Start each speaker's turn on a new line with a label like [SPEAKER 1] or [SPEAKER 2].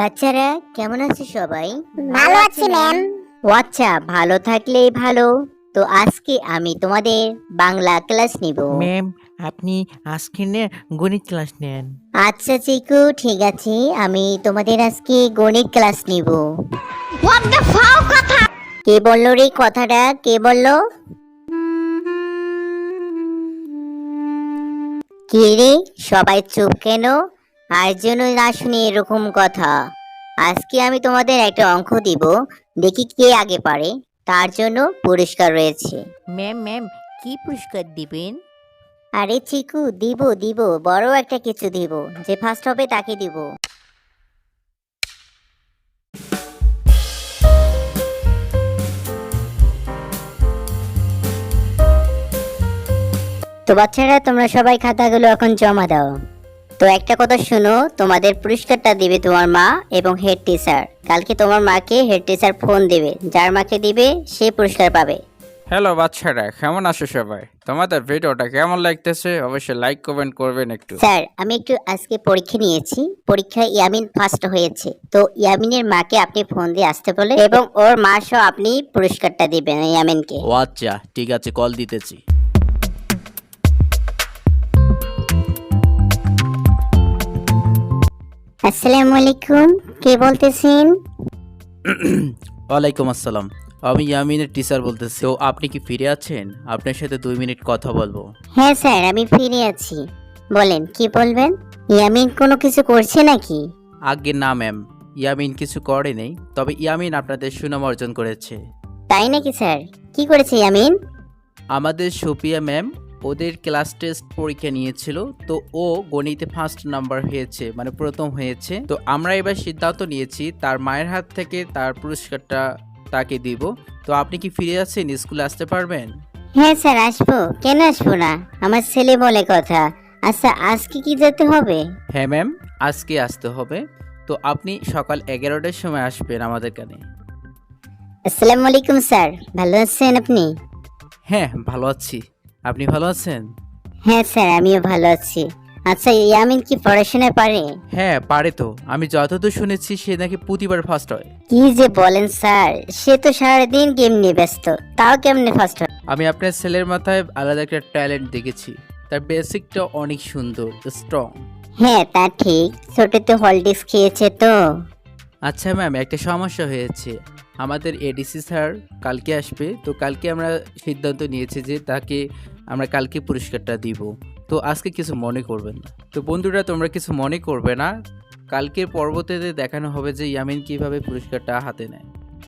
[SPEAKER 1] বাচ্চারা কেমন আছে সবাই?
[SPEAKER 2] ভালো আছি ম্যাম।
[SPEAKER 1] ও আচ্ছা, ভালো থাকলেই ভালো। তো আজকে আমি তোমাদের বাংলা ক্লাস নিব।
[SPEAKER 3] ম্যাম, আপনি আজকে গণিত ক্লাস নেন।
[SPEAKER 1] আচ্ছা চিকু, ঠিক আছে, আমি তোমাদের আজকে গণিত ক্লাস নিব।
[SPEAKER 2] হোয়াট দ্য ফাও কথা।
[SPEAKER 1] কে বললো রে কথাটা? কে বললো? কে রে, সবাই চুপ কেন? আর যেন না শুনি এরকম কথা। আজকে আমি তোমাদের একটা অঙ্ক দিব, দেখি কে আগে পারে। তার জন্য পুরস্কার রয়েছে।
[SPEAKER 3] ম্যাম কি পুরস্কার দিবেন?
[SPEAKER 1] আরে চিকু, দিব দিব, বড় একটা কিছু দিব, যে ফার্স্ট হবে তাকে দিব। তো বাচ্চারা, তোমরা সবাই খাতাগুলো এখন জমা দাও। তো একটা কথা শোনো, তোমাদের পুরস্কারটা দিবে তোমার মা এবং হেড টিচার। কালকে তোমার মাকে হেড টিচার ফোন দিবে, যার মাকে দিবে সে পুরস্কার পাবে।
[SPEAKER 4] হ্যালো বাচ্চারা, কেমন আছো সবাই? তোমাদের ভিডিওটা কেমন লাগতেছে অবশ্যই লাইক কমেন্ট করবেন একটু।
[SPEAKER 1] স্যার, আমি একটু আজকে পরীক্ষা নিয়েছি, পরীক্ষায় ইয়ামিন ফার্স্ট হয়েছে। তো ইয়ামিনের মাকে আপনি ফোন দিয়ে আসতে বলে, এবং ওর মা সহ আপনি পুরস্কারটা দিবেন ইয়ামিনকে।
[SPEAKER 5] ও আচ্ছা, ঠিক আছে, কল দিতেছি।
[SPEAKER 1] আসসালামু আলাইকুম, কে বলতেছেন?
[SPEAKER 5] ওয়ালাইকুম আসসালাম, আমি ইয়ামিনের টিচার বলতেছি। তো আপনি কি ফিরে আছেন? আপনার সাথে 2 মিনিট কথা বলবো।
[SPEAKER 1] হ্যাঁ স্যার, আমি ফিরে আছি। বলেন, কি বলবেন? ইয়ামিন কোনো কিছু করছে নাকি?
[SPEAKER 5] আগে না ম্যাম, ইয়ামিন কিছু করে নেই, তবে ইয়ামিন আপনাদের সুনাম অর্জন করেছে।
[SPEAKER 1] তাই নাকি স্যার? কি করেছে ইয়ামিন?
[SPEAKER 5] আমাদের সুপিয়া ম্যাম ওদের ক্লাস টেস্ট পরীক্ষা নিয়েছিল, তো ও গণিতে ফার্স্ট নাম্বার হয়েছে, মানে প্রথম হয়েছে। তো আমরা এবার সিদ্ধান্ত নিয়েছি তার মায়ের হাত থেকে তার পুরস্কারটা তাকে দিব। তো আপনি কি ফিরে আছেন? স্কুলে আসতে পারবেন?
[SPEAKER 1] হ্যাঁ স্যার, আসবো, কেন আসবো না? আমার ছেলে বলে কথা। আচ্ছা, আজকে কি যেতে হবে?
[SPEAKER 5] হ্যাঁ ম্যাম, আজকে আসতে হবে। তো আপনি সকাল 11টার সময় আসবেন আমাদের কানে।
[SPEAKER 1] আসসালামু আলাইকুম স্যার, ভালো আছেন আপনি?
[SPEAKER 5] হ্যাঁ ভালো আছি, আপনি ভালো আছেন?
[SPEAKER 1] হ্যাঁ স্যার, আমিও ভালো আছি। আচ্ছা, ইয়ামিন কি পড়াশোনা পারে?
[SPEAKER 5] হ্যাঁ পারে তো, আমি যতদূর শুনেছি সে নাকি প্রতিবার ফার্স্ট হয়।
[SPEAKER 1] কি যে বলেন স্যার, সে তো সারাদিন গেম নিয়ে ব্যস্ত, তাও কেমনে ফার্স্ট হয়?
[SPEAKER 5] আমি আপনার ছেলের মাথায় আলাদা একটা ট্যালেন্ট দেখেছি, তার বেসিকটা অনেক সুন্দর, স্ট্রং।
[SPEAKER 1] হ্যাঁ তা ঠিক, ছোটতে হলডিক্স খেয়েছে তো।
[SPEAKER 5] আচ্ছা ম্যাম, একটা সমস্যা হয়েছে। আমাদের এডিসি স্যার কালকে আসবে, তো কালকে আমরা সিদ্ধান্ত নিয়েছি যে তাকে আমরা কালকে পুরস্কারটা দিব। তো আজকে কিছু মনে করবেন না। তো বন্ধুরা, তোমরা কিছু মনে করবে না, কালকের পর্বতে দেখানো হবে যে ইয়ামিন কিভাবে পুরস্কারটা হাতে নেয়।